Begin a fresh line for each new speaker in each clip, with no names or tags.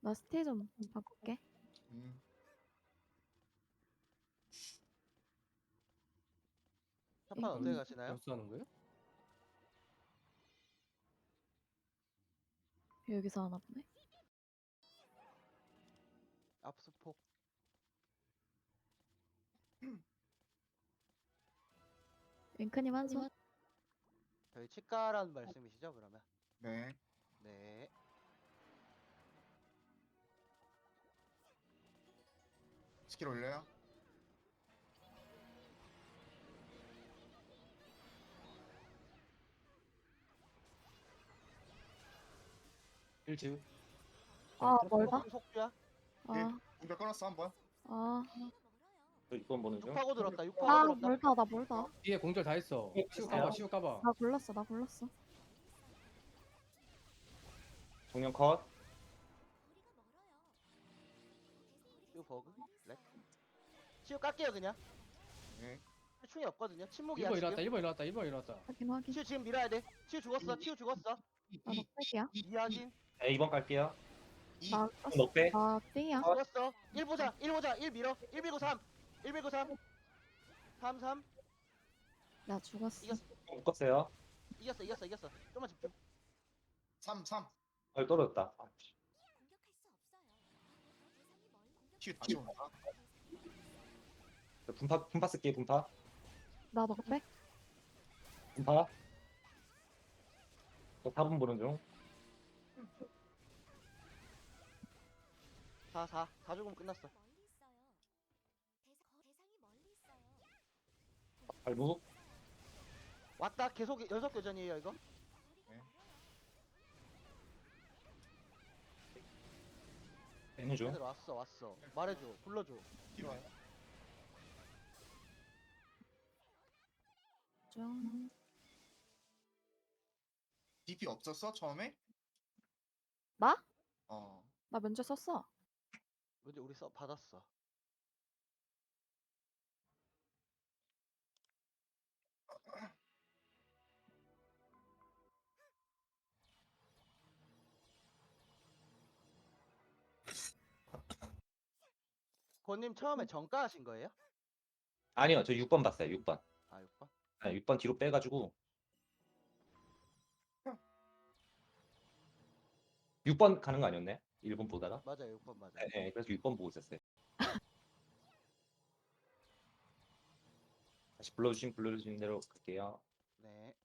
나 스테이 좀 바꿀게.
한판 어떻게 가시나요?
연수하는 거예요?
여기서 하나 보네.
압수폭.
윙크님 한 손.
저희 치과라는 말씀이시죠, 그러면?
네.
네.
스킬 올려요.
일지우.
아 멀다.
속주 속주야?
아,
공격 끊었어 한번.
아,
저 이번 보는 중.
6파고 들었다. 6파고
아
들었다.
멀다. 나 멀다.
뒤에 공절 다 했어. 시우 까봐, 시우 까봐.
나 골랐어. 나 골랐어.
정령 컷.
치우 버그? 렉? 치우 깎게요 그냥.
네.
충이 없거든요. 침묵이야
1번
지금.
일어났다, 1번 일어났다, 1번 일어났다.
확인 확인.
치우 지금 밀어야 돼. 치우 죽었어. 치우 죽었어.
나 넉백이야.
이하진
네, 2번 갈게요.
나
넉배.
나 띵이야.
죽었어. 1 보자. 1 보자. 1 밀어. 1 밀고 3. 1 밀고 3. 3 3.
나 죽었어.
이겼어.
묶었어요.
이겼어. 좀만 집중.
3 3.
떨어졌다.
큐 다시 온다.
분파 쓸게요. 분파.
나 넉백.
분파. 저 4분 보는 중.
4 4. 4 죽으면 끝났어.
발목.
왔다. 계속 연속 교전이에요 이거.
빼는 중.
애들 왔어. 말해줘. 불러줘.
뒤로 와요.
좀.
DP 없었어 처음에?
나?
어.
나 면제 썼어.
근데 우리 받았어. 권님 처음에 정가 하신 거예요?
아니요. 저 6번 봤어요. 6번.
아 6번?
네, 6번 뒤로 빼가지고. 6번 가는 거 아니었네? 1번 보다가.
맞아요 6번 맞아요.
네, 그래서 6번 보고 있었어요. 다시 불러주신 대로 갈게요.
네.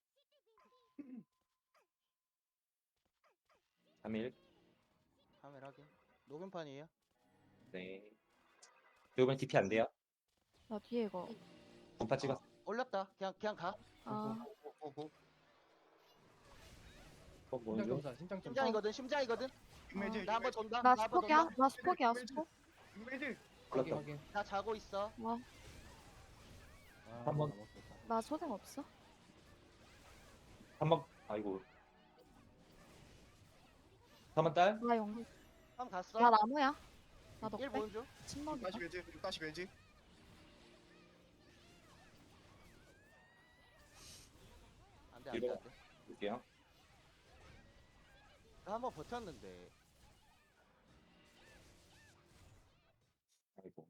3일.
카메라 확인. 녹음판이에요?
네. 이번에 DP 안 돼요?
나 뒤에 이거.
분파 찍었어.
올렸다. 그냥 가.
아,
오고.
6번 보는 중.
심장점사, 심장점사.
심장이거든.
육매즈.
나 한 번 돈다.
나
나 한 번
스폭이야.
돈다.
나 스폭이야. 스폭.
육매즈.
확인,
걸렸다.
확인.
나 자고 있어.
와,
아,
한 번.
넘었겠다.
나 소생 없어.
3번. 아이고. 3번 딸?
나 영.
한번 갔어.
나 나무야. 나
1
넉백.
보는 중.
침묵이다.
다시 매즈. 다시 매즈.
안돼.
이거.
나
볼게요.
한 번 버텼는데.
아이고.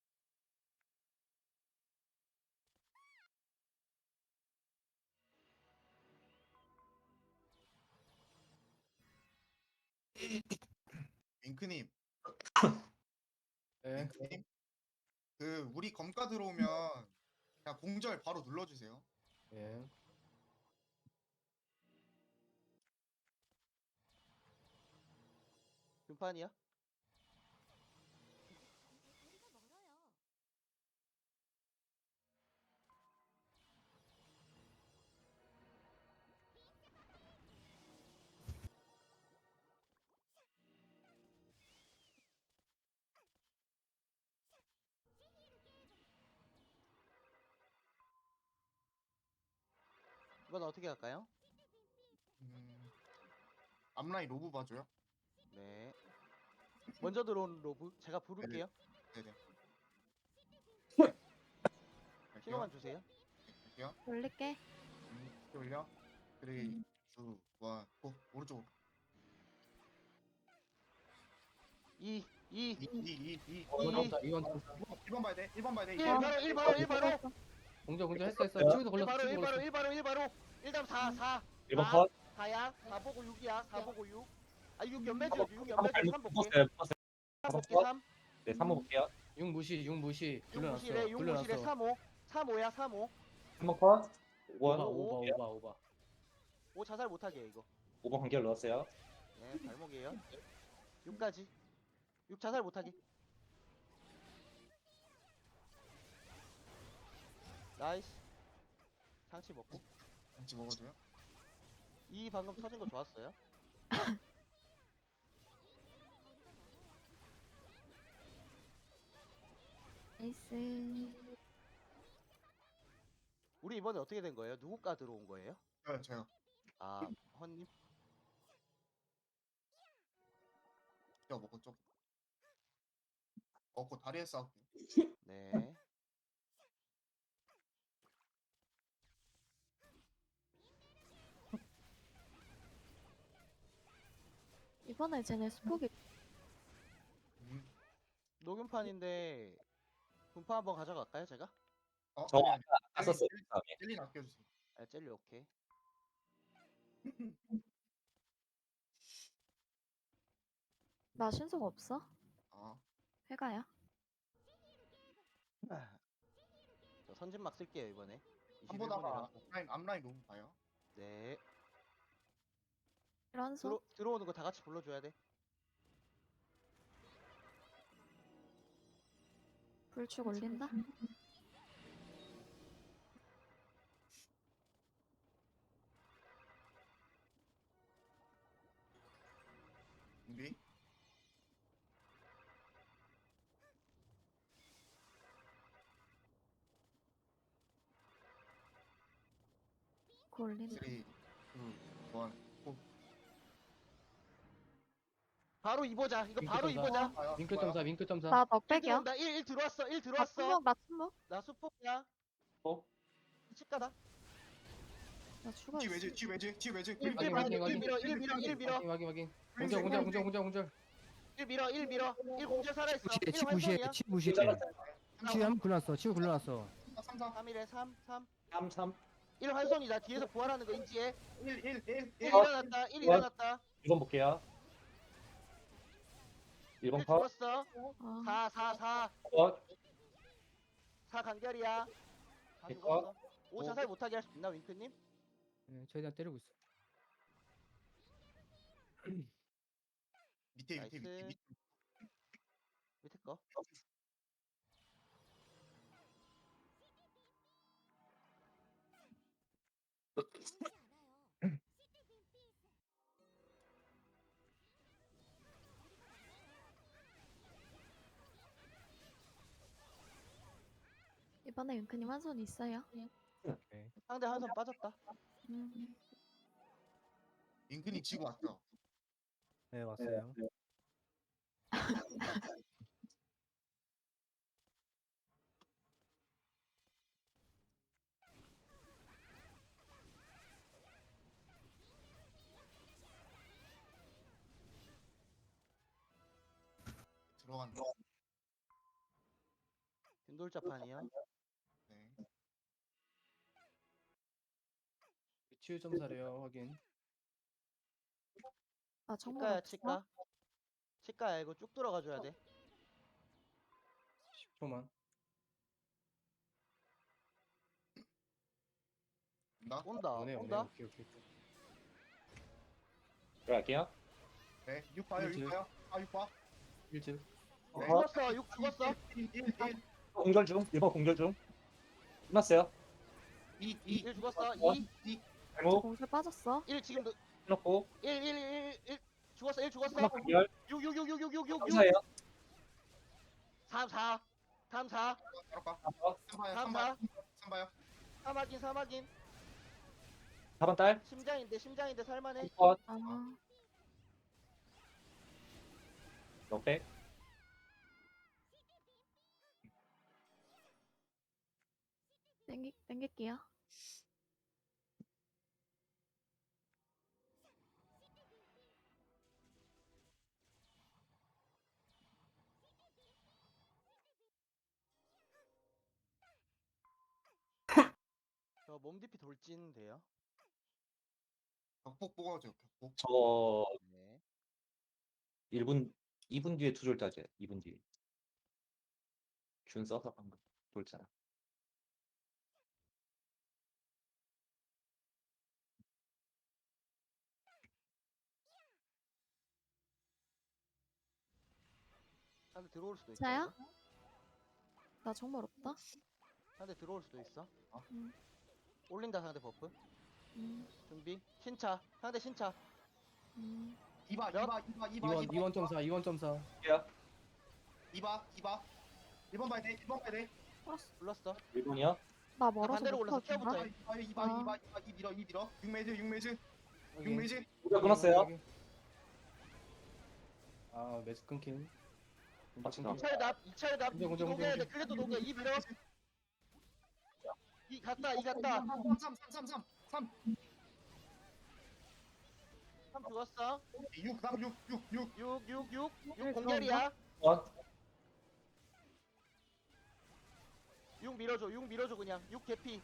윙크님.
네.
윙크님. 그 우리 검가 들어오면 그냥 공절 바로 눌러주세요.
예.
금판이야? 이건 어떻게 할까요?
앞라인 로브 봐줘요.
네. 먼저 들어온 로브 제가 부를게요.
네네.
신호만 주세요.
갈게요.
올릴게.
올려. 3, 2, 1, 고. 오른쪽으로.
2
2번 점사 2번 점사
1번 봐야 돼. 1번 봐야 돼.
1 바로 1 바로 1 바로
공절 했어
야.
치우도
1
걸렸어
바로
치우도
1 바로
걸렸어
1 바로 1 바로 1다음 4
1번 컷.
4야 4 보고 6이야 4 보고 6 아 6 연매
한번
지어줘 6
한번
연매
잘못
3 볼게
묶었어요. 묶었어요.
3 볼게
컷.
3
네, 3번 볼게요.
6 무시 6 무시
6
굴려놨어
무실에 6 무실에
굴려놨어
3 5 3 5야 3 5
3번 컷.
오바
5번.
오바 오바 오바
5 자살 못하게 해, 이거
5번 관계를 넣었어요.
네 발목이에요 6까지 6 자살 못하게 나이스 상치 먹고
같이 먹어줘요.
2 방금 터진 거 좋았어요
나이스.
우리 이번에 어떻게 된 거예요? 누구가 들어온 거예요?
저요.
아 헌님
저 먹고 좀. 먹고 다리에 싸울게.
네
이번에 쟤네 스포기
녹음판인데 분파 한번 가져갈까요 제가?
저
아니, 아니.
안 썼어요. 다음에.
젤리 아껴주세요.
아 젤리 오케이
나 신속 없어?
아,
회가야?
저 선진막 쓸게요 이번에
한 보다가
21분이라
앞라인 너무 봐요.
네
이런소?
들어오는 거 다 같이 불러줘야 돼
불축 올린다?
준비.
그 올린다.
3, 2, 1, 고.
바로 입어자 이거
윙크
바로
점사.
입어자
봐요.
윙크 점사 윙크 점사
나
1
넉백이야.
들어온다 1 들어왔어 1
나
들어왔어
침묵, 나 침묵.
나 수폭이야
어?
치가다
나 죽어
뒤
있어.
외지, 뒤 외지, 뒤 외지.
1
확인,
밀어
확인,
1
확인.
밀어 1 밀어 1 밀어
확인 확인 공절 공절 공절 공절 공절
1 밀어 1 밀어 1 공절 살아있어 1
치 무시해
활성이야
치 무시해 치 한번 굴렀어 치고 굴러놨어
3, 4,
3 1에 3 3
3, 3.
1 활성이다 뒤에서 부활하는 거 인지해
1, 1, 1,
1
1.
일어났다 1 일어났다
1번 볼게요. 1번
1
컷.
죽었어
아,
4
컷.
4 간결이야 다
이거?
죽었어 5 자살 못하게 할 수 있나 윙크님?
네, 최대한 때리고 있어
밑에,
나이스.
밑에.
밑에 거
이번에 은근히 한 손 있어요.
상대 한 손 빠졌다
음.
인근이 지고 왔죠.
네 왔어요
들어간다.
균돌자판이요
네.
치유 점사래요 확인
아, 정말
치과야
없어?
치과 치과야 이거 쭉 들어가줘야 돼
10초만
나?
온다
오네 오네
온다
오케이 오케이
들어갈게요.
네. 6 봐요, 6 봐요. 아, 6 봐.
1즈
네.
죽었어 6 죽었어
1, 1, 1,
공절 중. 1번 공절 중. 끝났어요.
2, 2.
1 죽었어 2
발목
공술 빠졌어.
1 지금
해놓고.
1 죽었어 1 죽었어
한번 관결.
6 6 6 6 6 6 6
감사해요.
3 4 3 4
바로 가.
3번.
3 봐요,
3
3 봐요.
4
3 봐요.
3 확인 3 확인
4번 딸.
심장인데 살만해
컷.
아,
넉백.
땡길게요.
저 몸 DP 돌진 돼요?
격폭 뽑아줘. 격폭.
저
네.
1분 2분 뒤에 투졸 따제. 2분 뒤에. 균 써서 방금 돌잖아.
상대 들어올 수도 있다.
자야?
이거.
나 정말 없다.
상대 들어올 수도 있어.
음.
올린다 상대 버프.
음.
준비. 신차. 상대 신차.
음.
이봐
몇?
이봐 이봐 이봐
2원
이봐
2원.4 2원.4
이봐 이봐 1번 봐야 돼 1번 봐야 돼
불렀어.
1분이요?
나 멀어서
반대로
못
올라서
터진다.
뛰어보자.
이봐 이 밀어 이 밀어 6매즈 6매즈
우리가 끊었어요.
아 매즈 끊긴.
맞다.
2차에 납. 2차에 납.
공정, 공정,
녹여야 돼.
공정.
클레도 녹여. 2 밀어. 2 갔다. 2 갔다.
3
3 죽었어.
6 3 6
6 공결이야.
어?
6 밀어줘. 6 밀어줘 그냥. 6 개피.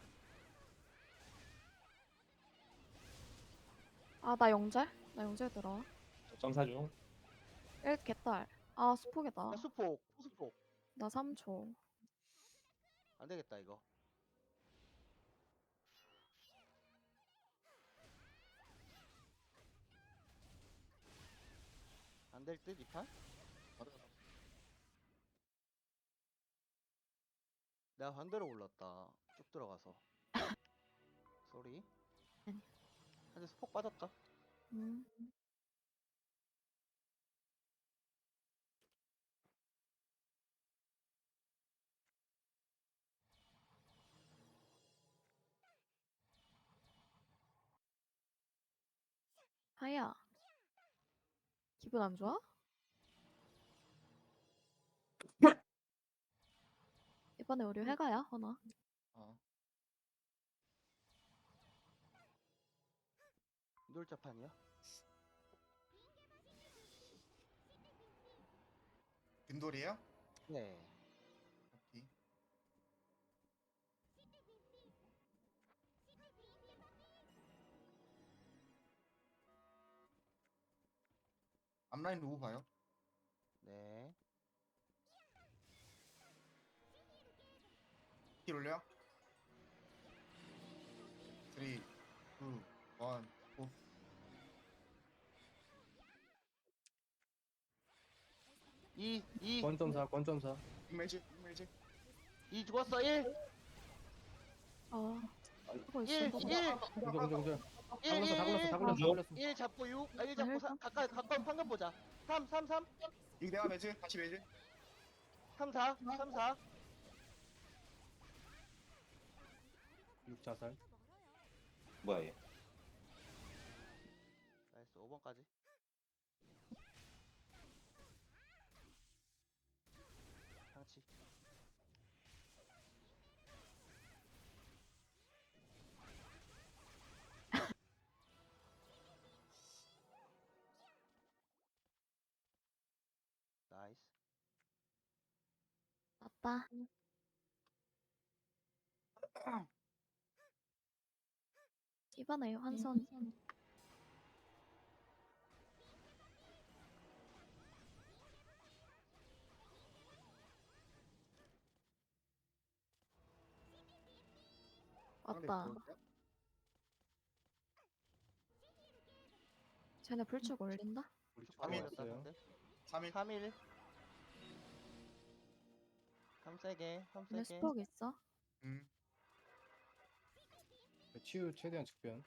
아, 나 영절? 나 영절 들어.
점사 중.
1 개딸. 아, 수폭이다.
나 수폭. 수폭.
나 3초.
안 되겠다 이거. 안 될 듯, 이 판? 내가 반대로 올랐다. 쭉 들어가서. 쏘리.
아니.
한대 스폭 빠졌다.
음. 하야. 기분 안 좋아? 이번에 우리 회가야, 허나.
어. 놀자판이야?
균돌이에요?
네.
오케이. 앞라인 로우 봐요.
네.
킬 올려. 3 2 1 고.
이
권.4
6매즈
2 죽었어. 1
아, 하고
1
있어.
1
공절
1
다 굴렀어
1 잡고 6 1 잡고
헬스?
가까운 판금 보자. 3
이거 내가 매즈 다시 매즈
3 4
6 자살.
뭐야 얘?
나이스 5번까지. 상치. 나이스.
맞다. 이번에 환선. 왔다. 쟤네 불축 올린다?
우리
바로
축구
올렸다
왔어요.
상대.
3일
3일 3 세게 3
쟤네
세게.
수폭 있어?
치유 최대한 직변.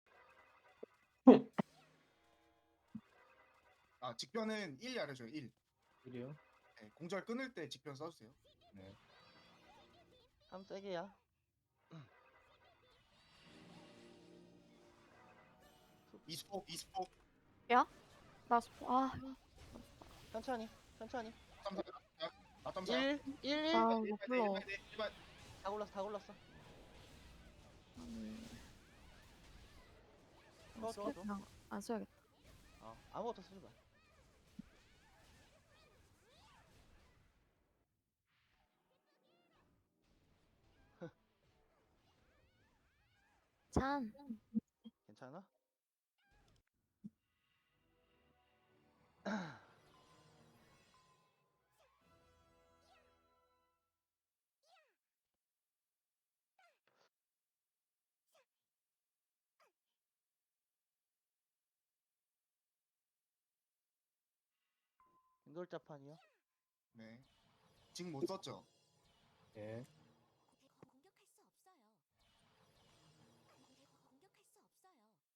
아 직변은 1이 알려줘요 1
1이요.
네, 공절 끊을 때 직변 써주세요.
네.
3 세게야.
이스폭
나 수폭. 아,
천천히
4.4
1 1
아, 이거 불러.
다 굴렀어.
아니.
좋아.
그냥 안 써야겠다.
아무것도 쓰지 마.
찬.
괜찮아? 인돌자판이요?
네. 지금 못 썼죠?
예.
공격할 수 없어요. 공격할 수 없어요.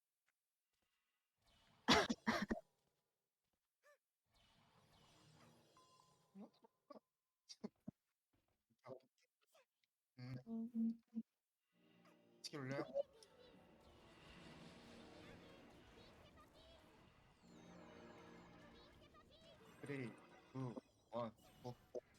스킬 올려요? 쓰리, 투, 원, 고.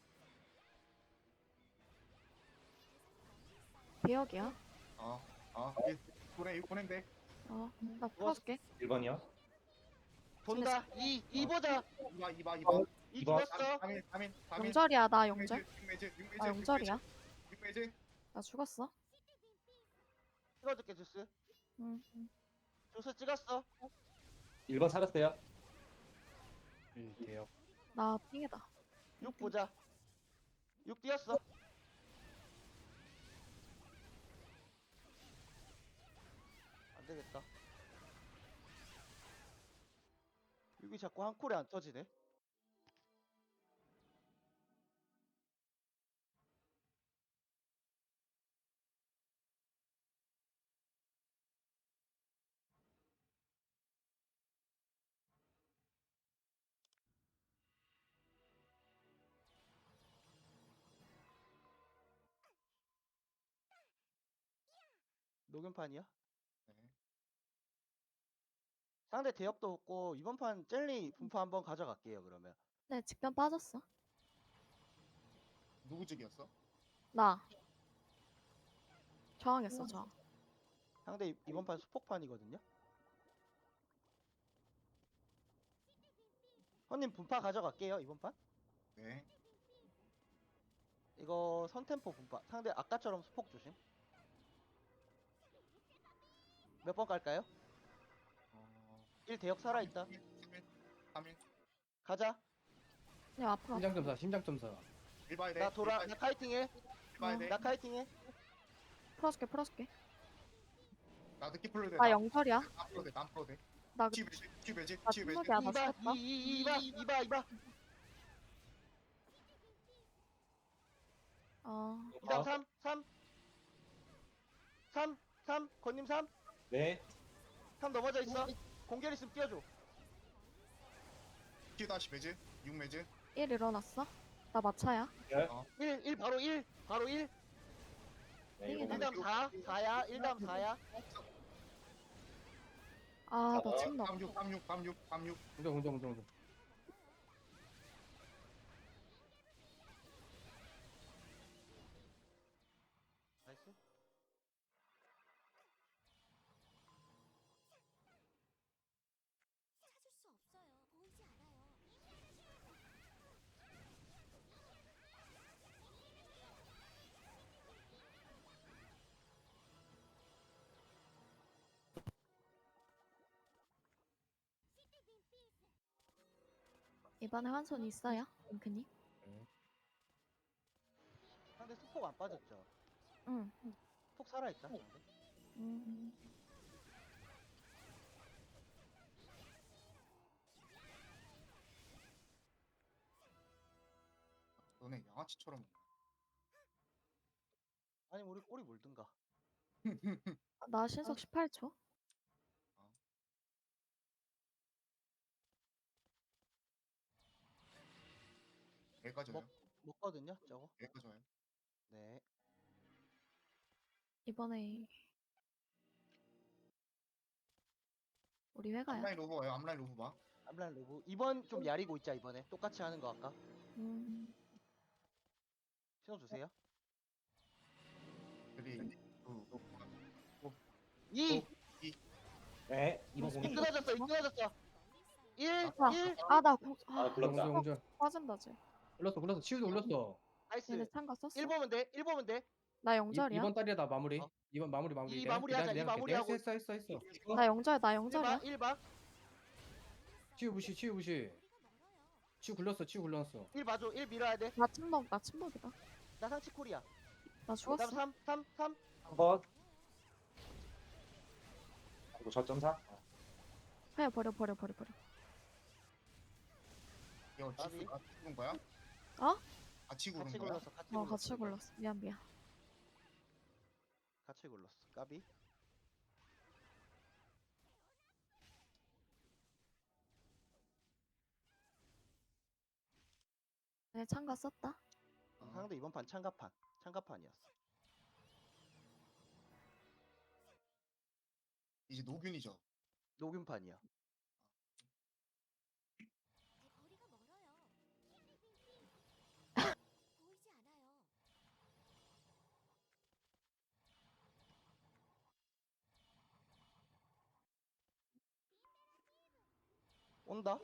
비역이야.
일. 보내면 돼.
나 풀어줄게.
1번이요?
돈다. 2 보자.
이봐.
2
이번.
죽였어.
3일.
영절이야. 나 영절.
6매즈.
나 영절이야.
6매즈.
나 죽었어.
찍어줄게 주스.
응.
주스 찍었어.
1번 살았어요?
1 대역.
나 핑이다.
6 보자. 6 뛰었어. 안 되겠다. 6이 자꾸 한 콜에 안 터지네. 녹음판이야?
네.
상대 대역도 없고 이번 판 젤리 분파 한번 가져갈게요 그러면.
네, 직변 빠졌어.
누구 직이었어?
나. 저항했어, 저항.
상대 이번 판 수폭판이거든요. 형님 분파 가져갈게요 이번 판.
네.
이거 선템포 분파. 상대 아까처럼 수폭 조심. 몇 번 갈까요? 1 대역 살아있다.
3일.
가자.
야, 앞으로.
심장점사.
1 봐야 돼.
나 돌아. 나 카이팅해.
1 봐야 돼.
나 카이팅해.
풀어줄게.
나 늦게 풀려도 돼.
나 영절이야.
남 풀어도 돼. 남 풀어도 돼.
나
치매지.
나 침묵이야. 나
2봐.
죽었다.
2봐. 이다음 3. 건님 3.
네.
3 넘어져 있어. 공격 있으면 뛰어줘.
치 다시 매즈. 6매즈.
1 일어났어. 나 마차야.
1 바로 1.
네,
이게
1
이거
다음 4야. 1 다음 4야.
나 지금 나.
36.
공정.
나이스.
찾을 수 없어요. 보이지 않아요.
이번에 환손 있어요, 링크님?
상대 수폭 안 빠졌죠?
응.
폭 살아있다. 상대.
너네 양아치처럼.
아니 우리 꼬리 물든가.
나 신속 18초.
애가 져요.
먹거든요 저거.
애가 져요.
네.
이번에 우리 회가야.
앞라인 로브 와요. 앞라인 로브 봐.
암란 로브. 이번 좀 야리고 있자 이번에. 똑같이 하는 거 아까. 신호 주세요.
3, 2,
2.
네. 2번 공격.
이끌어졌어. 1.
나
굴렀다.
공정.
빠진다, 쟤.
올렸어. 치유도 올렸어.
나이스.
얘네 참가 썼어.
1 보면 돼.
나 영절이야.
이번 달이야 나 마무리. 2번 마무리
이
내가
마무리하자,
할게,
이
내가 할게.
마무리하고.
했어.
나 영절 나 영절이야.
1박
치유 무시. 치유 굴렀어.
1 봐줘. 1 밀어야 돼.
나 침묵이다.
나 상치 콜이야.
나
그다음
죽었어.
3.
한번 그리고 저점사
그냥 버려.
이거
나비.
죽은 거야?
어?
같이 구른
같이
거야?
굴렀어.
같이 골랐어. 미안.
같이 굴렀어. 까비.
내 참가 썼다.
상대 이번 판 창가판이었어.
이제 노균이죠.
녹음판이야.
거리가 멀어요. 보이지 않아요.
온다.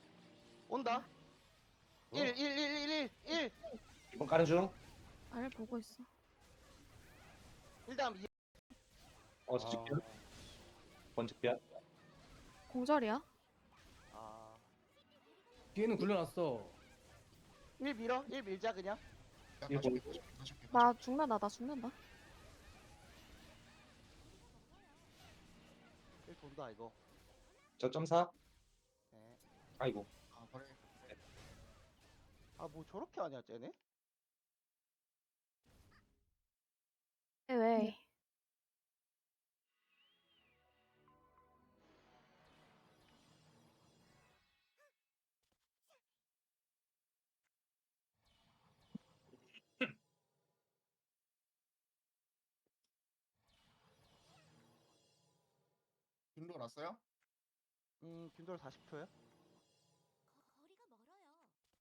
1
이번 까는 중.
알 보고 있어.
1다음 2.
직변. 번직변.
공절이야.
아.
뒤에는 굴려놨어.
1 밀어. 1 밀자 그냥.
야,
이거
다시 올게, 다시 올게.
나 죽는다.
1 돈다 이거.
저점사.
네.
아이고.
아, 버려.
아 뭐 저렇게 하냐 쟤네?
왜?
균도 났어요?
균돌 40초요?
거리가 멀어요.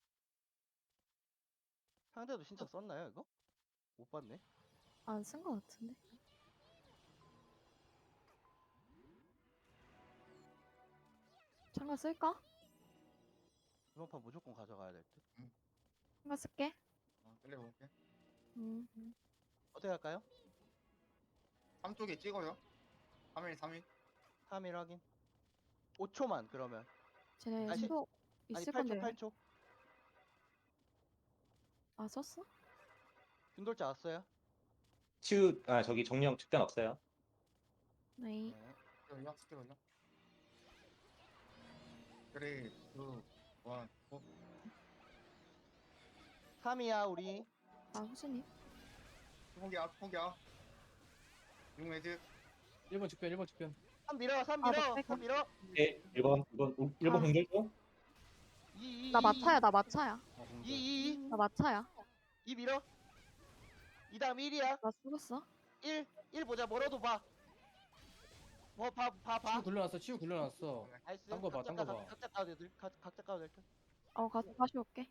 상대도 진짜 썼나요 이거? 못 봤네.
안 쓴 거 같은데. 참가 쓸까?
이번 판 무조건 가져가야 될 듯.
참가 쓸게.
끌려볼게.
음.
어떻게 할까요?
3쪽에 찍어요. 3일.
3일 확인. 5초만 그러면.
쟤네
아니,
신속
아니
있을
8초
건데.
8초.
아 썼어?
균돌자 왔어요?
저기 정령 측변 없어요.
네.
네.
연락 스킬 올려. 그래, 2, 1, 고.
3이야 우리.
아 후진님.
포기야. 6매즈.
1번 측변.
3 밀어. 3
아,
밀어.
나
3 밀어.
네, 1번
아.
공절 중.
2
나 마차야.
아, 공절.
2
나 마차야.
2 밀어. 2다음 1이야.
나 죽었어.
1 보자. 뭐라도 봐. 뭐 봐.
치유 굴려놨어.
나이스.
딴거 봐, 딴거 봐.
각자 까도 될 듯. 각자 까도 될 듯.
다시 올게.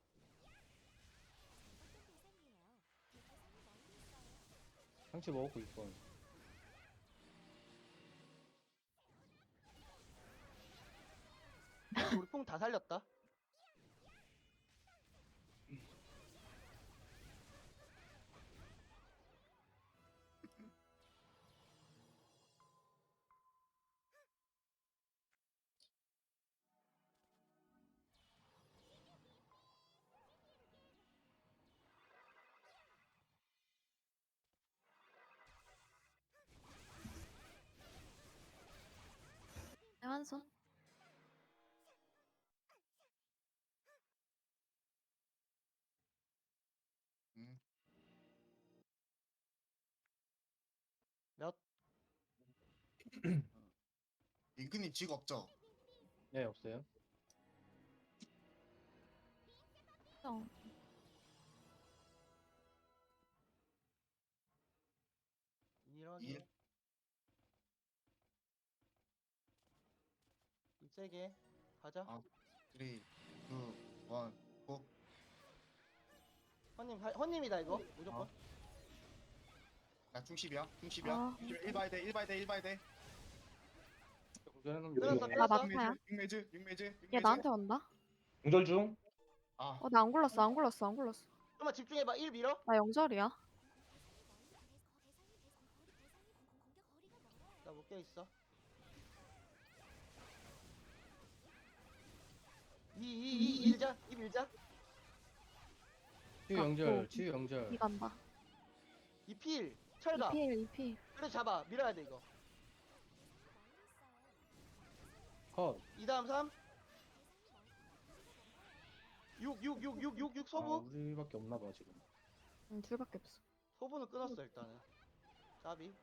어떤 대상이에요? 대상이 멀리 있어요.
상치 먹었고 6번.
우리 뽕 다 살렸다.
한 손.
음.
몇?
이근님 직 없죠?
네, 없어요.
어.
이러기.
일.
세게 가자.
아. 3, 2, 1, 고.
헌님이다 이거 무조건.
나 중십이야.
아.
1 봐야 돼.
공절하는
끊었어,
거.
나 마차야.
6매즈.
얘 나한테 온다.
공절 중.
아,
나 안 굴렀어.
좀만 집중해봐. 1 밀어.
나 영절이야.
섞여 있어. 2 일자. 2 밀자.
치유
아,
영절,
뭐.
치유 영절.
이 간다.
2 필. 철가.
2필 2필.
그래 잡아. 밀어야 돼 이거.
컷.
2 다음 3. 6
아,
소부.
우리밖에 없나 봐 지금.
둘밖에 없어.
소부는 끊었어 일단은. 까비.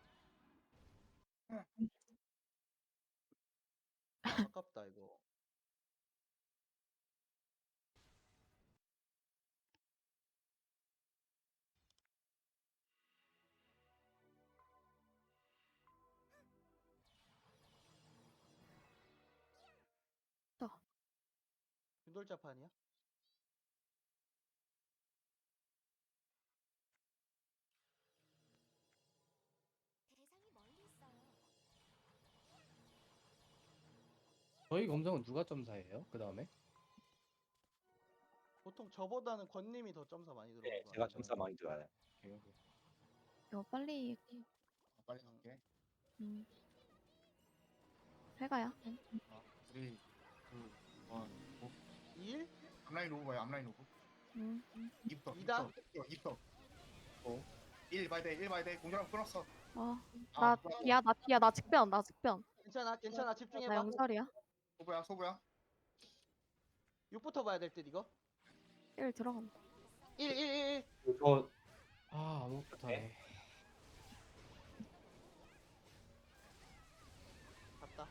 아깝다 이거. 균돌자판이야?
대상이 멀리 있어요.
저희 검성은 누가 점사해요? 그 다음에?
보통 저보다는 권님이 더 점사 많이 들어오는
네,
거
제가
같아.
점사 많이 들어요.
이거 빨리
빨리 갈게.
해가야.
3, 2, 1, 고.
1?
앞라인 오브 봐요. 앞라인 오브. 2부터.
이다?
2부터. 1 봐야 돼. 1 봐야 돼. 공격랑 끊었어.
나
아,
뒤야 나 뒤야 나 직변 나 직변.
괜찮아
나
집중해봐.
영설이야.
소부야.
6부터 봐야 될 듯 이거.
1 들어간다.
1
저
아, 아무것도 못하네.
갔다.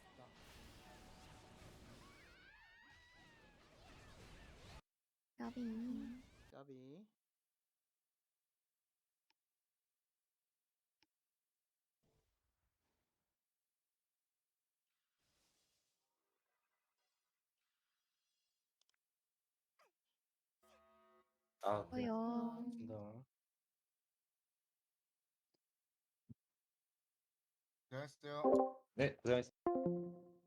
까비.
까비.
아,
어요.
간다.
잘했어요.
네, 고생하셨습니다.